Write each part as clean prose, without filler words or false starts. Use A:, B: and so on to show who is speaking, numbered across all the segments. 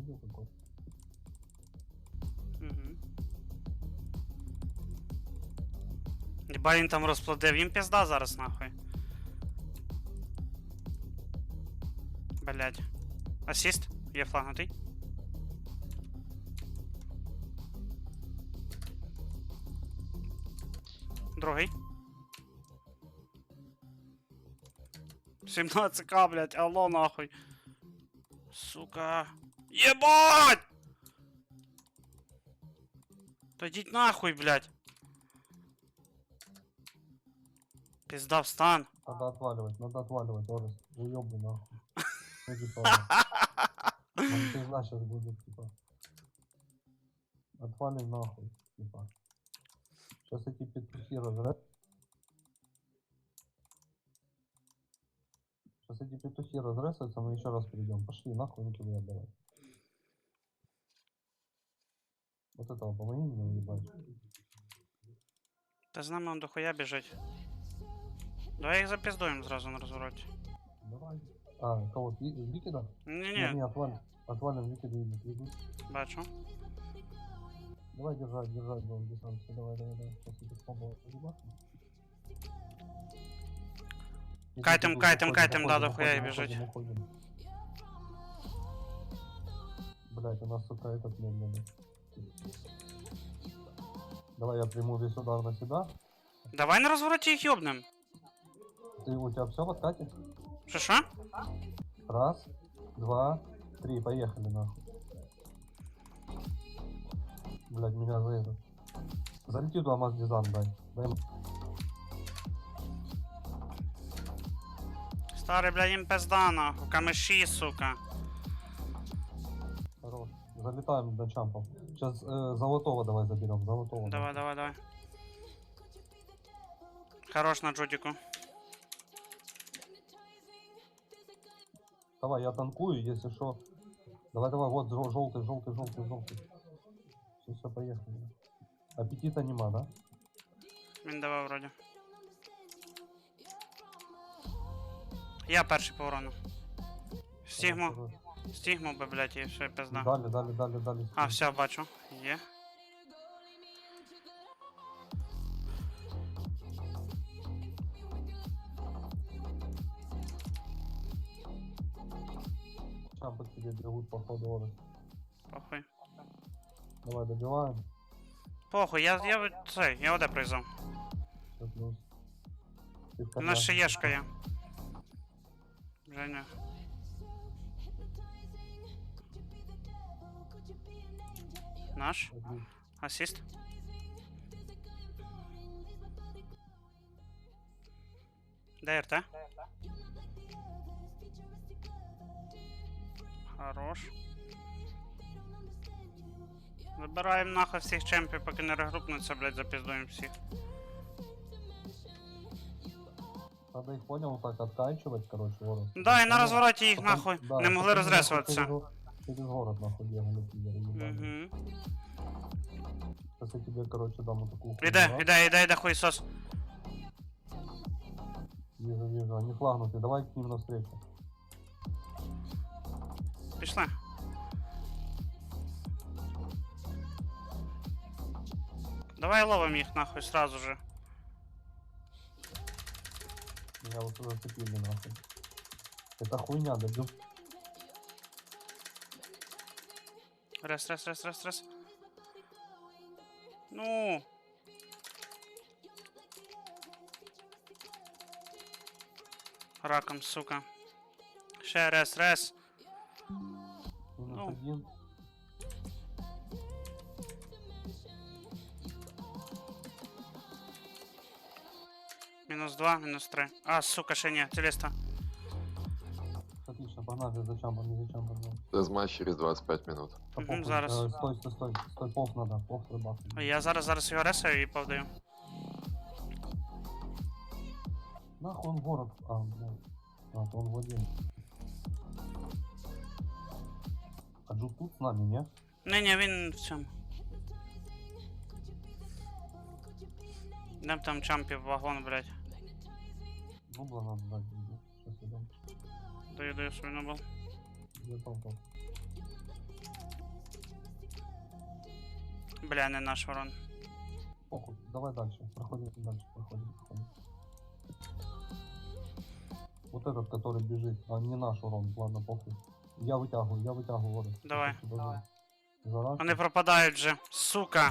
A: видел какой?
B: Єба він там розплодив, їм пізда зараз нахуй. Блять. Асіст? Є флагнутий. Другий. 17к, блять, алло нахуй. Сука. Єбать! Та йдіть нахуй, блять. Пизда встан.
A: Надо отваливать, Орес. Уёбу нахуй. Иди тоже. Он пизда сейчас будет, типа. Отвалим нахуй, типа. Сейчас эти петухи разряд. Сейчас эти петухи разрезаются, мы еще раз перейдем. Пошли нахуй, не кидай давай. Вот этого помоги мне уебать.
B: Та з нами он дохуя біжить. Давай їх запіздуємо зразу на розвороті.
A: Давай. А, кого? Викида?
B: Ні-ні,
A: Не, отвалим Викида и идут.
B: бачу.
A: Давай держать, будем дистанцию. Давай. Сейчас я попробую поебаться.
B: Кайтем, да, дохуя и бежать.
A: Уходим. Блять, у нас сука этот медленный. Давай я приму весь удар на себя.
B: Давай на розвороті їх йобнем.
A: У тебя все в откате?
B: Що?
A: Раз, два, три, поехали нахуй. Блять, меня за это. Залети туда маз дизайн, дай.
B: Старий, бля, їм пизда нахуй, камеші, сука.
A: Хорош. Залетаем до чампов. Сейчас золотого давай заберем, золотого.
B: Давай. Хорош на джудику.
A: Давай, я танкую, если что. Давай, вот желтый. Все, поехали. Аппетита нема, да?
B: Він давав вроді. Я перший по урону. Стігму би, блядь, і все, пизда.
A: Дали.
B: А, все, бачу. Є.
A: Чампы к тебе бегут по ходу Орес.
B: Похуй.
A: Давай, добиваем.
B: Похуй, я оде пройзав.
A: Все плюс.
B: У нас ще єшка є. Женя. Наш? Асіст? Де РТ? Хорош. Вибираємо нахуй всіх чемпів, поки не регрупнуться, блядь, запіздуємо всіх.
A: Надо их, понял, так откачивать, короче, Орес.
B: Да, і на розвороті їх
A: Потом-
B: нахуй
A: да,
B: не могли
A: потом
B: розресуватися.
A: Через город нахуй бегали, пидоры, ебаные.
B: Угу.
A: Сейчас я тебе, короче, дам вот такую
B: Іде хуйсос.
A: Вижу, они флагнуты, давай к ним навстречу.
B: Пішли. Давай ловим їх нахуй сразу же.
A: Меня вот зацепили нахуй. Это хуйня, добил.
B: Раз. Ну. Раком, сука. Ще раз.
A: Минус
B: Ну.
A: один.
B: Мінус 2, мінус 3. А, сука, ще ні, телеста.
A: Отлично, погнали за чампом.
C: Дезматч через 25 минут.
B: Зараз.
A: Стой, пов надо, пов рыбак.
B: Я зараз його ресаю і повдаю.
A: Нахуй он в город. То он в один. А Джук тут с нами, не?
B: Не, він в цьому. Дем там чампів вагон, блядь.
A: Нубла надо дать. Сейчас идем.
B: Даю свій нобл.
A: Где толпа?
B: Бля, не наш ворон.
A: Похуй, давай дальше. Проходим дальше, проходим. Вот этот, который бежит, а не наш урон, ладно, похуй. Я вытягиваю воду.
B: Давай.
A: За раз.
B: Вони пропадають вже. Сука.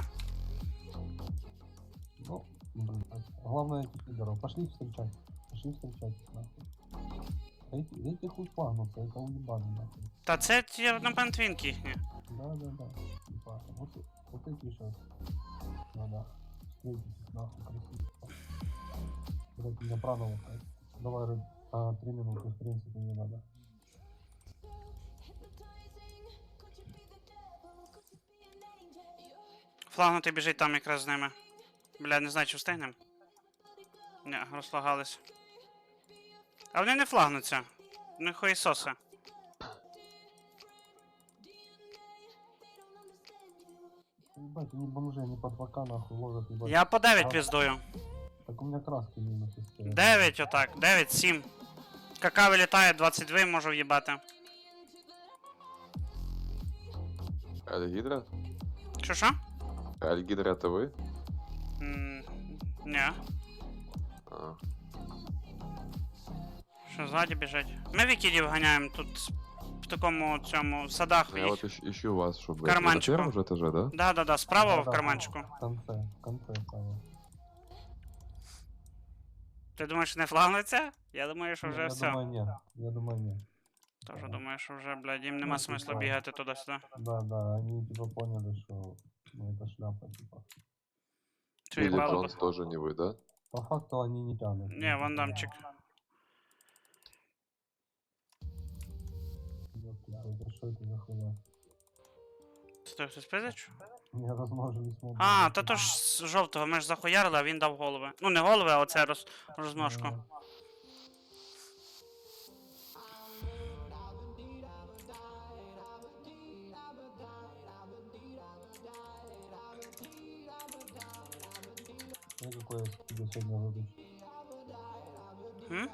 A: Ну, блин. Главное этих лидеров. Пошли встречать. Нахуй. Эти хуй флагнутся, это уебаны, нахуй.
B: Та це ті однопантвінки їхні.
A: Да. Типа, вот эти сейчас. Надо встретить их нахуй красиво. Блять, меня праново. Давай, 3 минуты, в принципе, не надо.
B: Флагнутий біжить там якраз з ними. Бля, не знаю, чи встигнем. Ні, розлагались. А вони не флагнуться. Не хуєсоси.
A: Ебать, они бомжи, они по 2К нахуй ложат, ебать.
B: Я по 9 піздую.
A: Так у меня краски минусы стоят.
B: 9 отак, 9, 7. КК вилітає, 22 можу в'їбати.
C: Альгидра?
B: Що?
C: Альгидра это вы?
B: Ні.
C: А,
B: Що ззаді біжать? Ми вікідів ганяємо тут в такому цьому садах
C: ну, я
B: їх.
C: вот ищу вас, чтобы...
B: карманчику.
C: Это на первом же этаже, да?
B: Да, справа в
A: Да-да.
B: карманчику.
A: В конце стало.
B: Ти думаєш, не флагнеться? Я думаю, що вже
A: я
B: все.
A: думаю, нет. Я думаю, нет.
B: Тоже думаю, що вже, блядь, їм нема
A: Ну,
B: смисла
A: типа.
B: бігати туди-сюди.
A: Да, они типа поняли, что ну, это шляпа, типа.
B: Чи
C: Или
B: їбало
C: Джонс
B: б?
C: тоже не вы, да?
A: По факту они не тянут.
B: Ні, вандамчик.
A: Это что это за хуйня?
B: Це хтось пиздить?
A: Не размножились мобы.
B: А, та то ж з жовтого, ми ж захуярили, а він дав голови. Ну не голови, а оце розмножку.
A: Ну какой я тебе сегодня задачу?
B: М?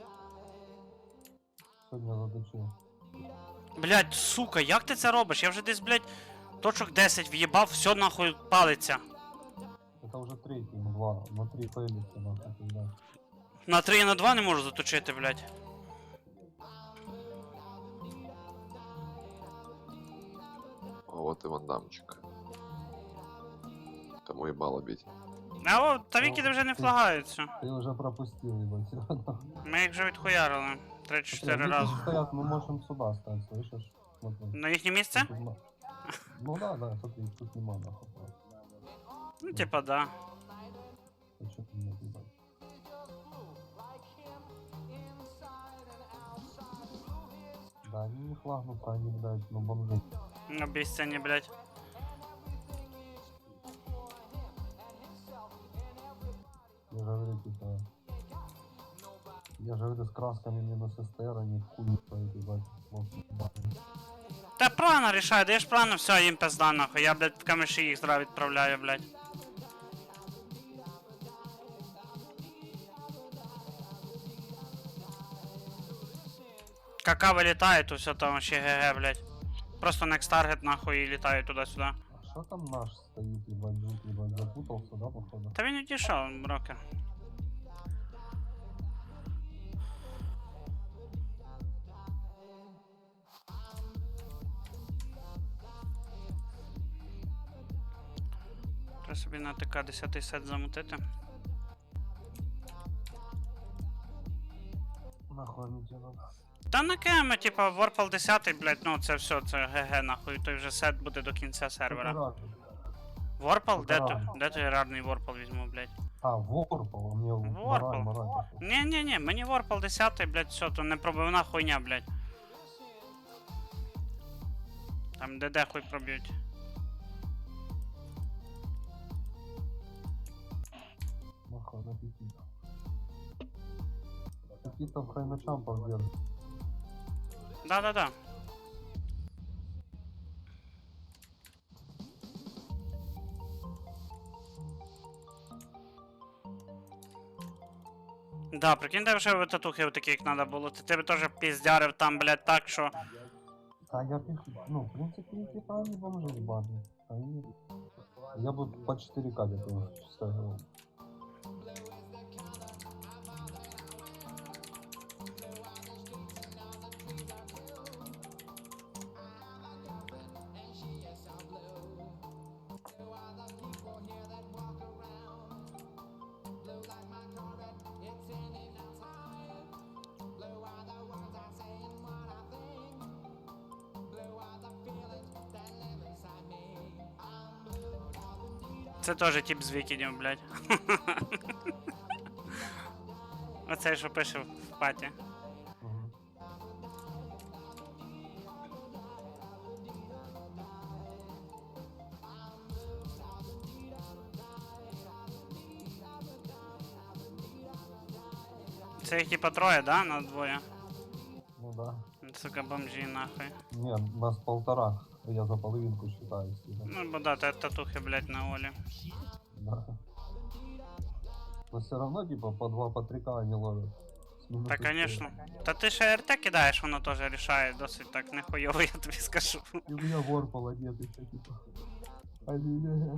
A: Сегодня задачу.
B: Блядь, сука, як ти це робиш? Я вже десь, блядь, точок 10 в'їбав, все нахуй палиться.
A: Это уже третий, ну 2. На 3 пэлится нахуй, когда.
B: На 3 і на 2 не можу заточити, блядь.
C: А вот и вандамчик. Кому ебало бить?
B: А о, та вікіди вже не флагаються.
A: Ты уже пропустил, ебать.
B: Ми їх вже відхуярили. 3-4
A: Смотри,
B: рази.
A: они стоят, мы можем сюда стать, слышишь? Смотри.
B: На їхнє місце?
A: Тут ну да, смотри, тут нема нахуй. просто.
B: Ну, типа, да.
A: А чё ты меня ебать? Да, они не флагнут, они, блядь, ну бомжи.
B: На бісцені, блядь.
A: Я же говорю, типа... Я же говорю, с красками минус СТР, они в хуй стоят, ебать. Вот, ебать.
B: Та правильно рішає, даєш правильно, все, їм пизда нахуй. Я, блядь, в камеші їх зразу відправляю, блядь. КК вилітає, то все там ще ГГ, блядь. Просто next target нахуй і літає туди-сюди.
A: А что там наш стоит, ебать, жут, ебать, запутался, да, походу?
B: Та він відійшов, брокер. Треба собі на ТК 10 сет замутити.
A: Нахуй они тебе надо?
B: Та на кеми, типа, Warpal 10, блядь, ну це все, це ГГ нахуй, той вже сет буде до кінця сервера. Warpal? Де той рарний Warpal візьму, блядь?
A: А, Ворпал, мне
B: Ворпал.
A: мораль.
B: Ні, мені Warpal 10, блядь, все, то непробивна хуйня, блядь. Там ДД хуй проб'ють.
A: Нахуй, на пяти. Какие-то хай на чампах держат.
B: Да. Да, прикинь, де вже татухи такі, як треба було. Ти тебе теж піздярив там, блядь, так, що...
A: А я пишу, ну, в принципе, типа, они бомжи ебаные. Они... Я бы по 4К где-то ставил.
B: Це теж тип з вікідів, блядь. Оцей, що пише в паті.
A: Мгм.
B: Це їх типа троє, да? На двоє.
A: Ну да.
B: Сука, бомжі нахуй.
A: Не, нас полтора. Я за половинку считаю. Типа.
B: Ну, бо да, татухи, блядь, на Олі.
A: Да. Но все равно, типа, по 2, по 3К они ловят. С минуты
B: Та, конечно. Та ти ще РТ кидаєш, воно теж рішає досить так нехуйово, я тобі скажу.
A: И у меня ворпал нет еще, типа. Ай-яй-яй.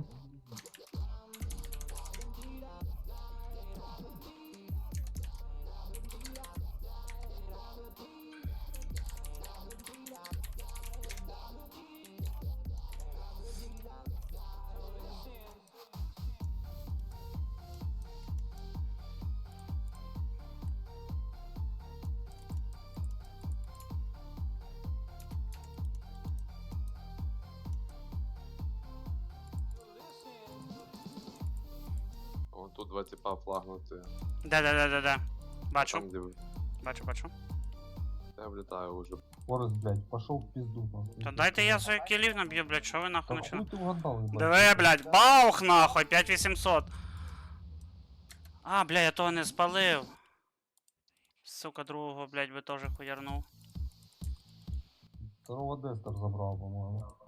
C: Вон тут два типа флагнути.
B: Да. Бачу,
C: Там, де
B: бачу.
C: я влітаю уже.
A: Форест, блядь, пошел в пизду. нахуй.
B: Та дайте я свої кілів наб'ю, блядь, що ви
A: Да
B: нахуй
A: хуй
B: начинаєте?
A: ты угадал, ебать.
B: Диви, блядь, баух нахуй, 5800. А, бля, я того не спалив. Сука, другого, блядь, би теж хуярнув.
A: Второго Дестер забрал, по-моему.